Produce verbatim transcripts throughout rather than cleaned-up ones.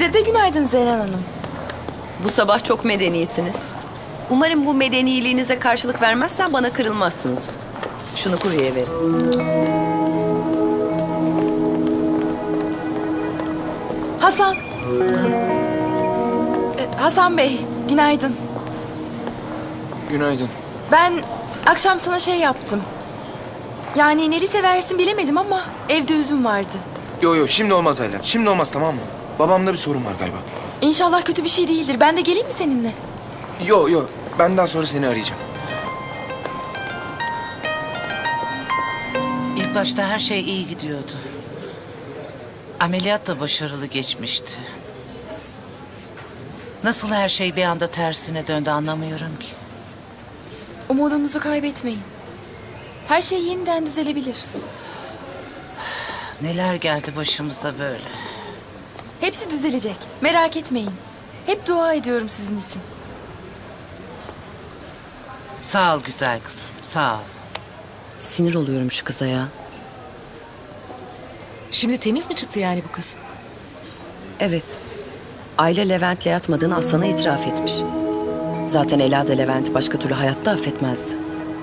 Size de günaydın Zeren Hanım. Bu sabah çok medenisiniz. Umarım bu medeniliğinize karşılık vermezsen bana kırılmazsınız. Şunu kurye verin. Hasan. Ee, Hasan Bey, günaydın. Günaydın. Ben akşam sana şey yaptım. Yani neli seversin bilemedim ama evde üzüm vardı. Yo yo şimdi olmaz Ayla. Şimdi olmaz, tamam mı? Babamda bir sorun var galiba. İnşallah kötü bir şey değildir. Ben de geleyim mi seninle? Yo yo benden sonra seni arayacağım. İlk başta her şey iyi gidiyordu. Ameliyat da başarılı geçmişti. Nasıl her şey bir anda tersine döndü anlamıyorum ki. Umudunuzu kaybetmeyin. Her şey yeniden düzelebilir. Neler geldi başımıza böyle. Hepsi düzelecek. Merak etmeyin. Hep dua ediyorum sizin için. Sağ ol güzel kızım, sağ ol. Sinir oluyorum şu kıza ya. Şimdi temiz mi çıktı yani bu kız? Evet. Aile Levent'le yatmadığını Aslan'a itiraf etmiş. Zaten Ela da Levent'i başka türlü hayatta affetmezdi.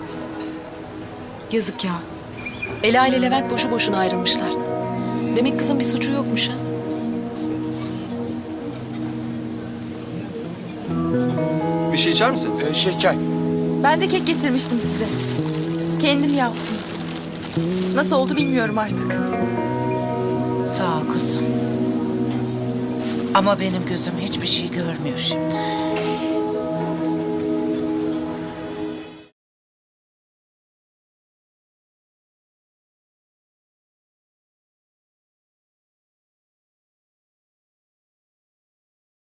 Yazık ya. Ela ile Levent boşu boşuna ayrılmışlar. Demek kızın bir suçu yokmuş ha. Bir şey içer misiniz? Ee, şey çay. Ben de kek getirmiştim size. Kendim yaptım. Nasıl oldu bilmiyorum artık. Sağ ol kızım. Ama benim gözüm hiçbir şey görmüyor şimdi.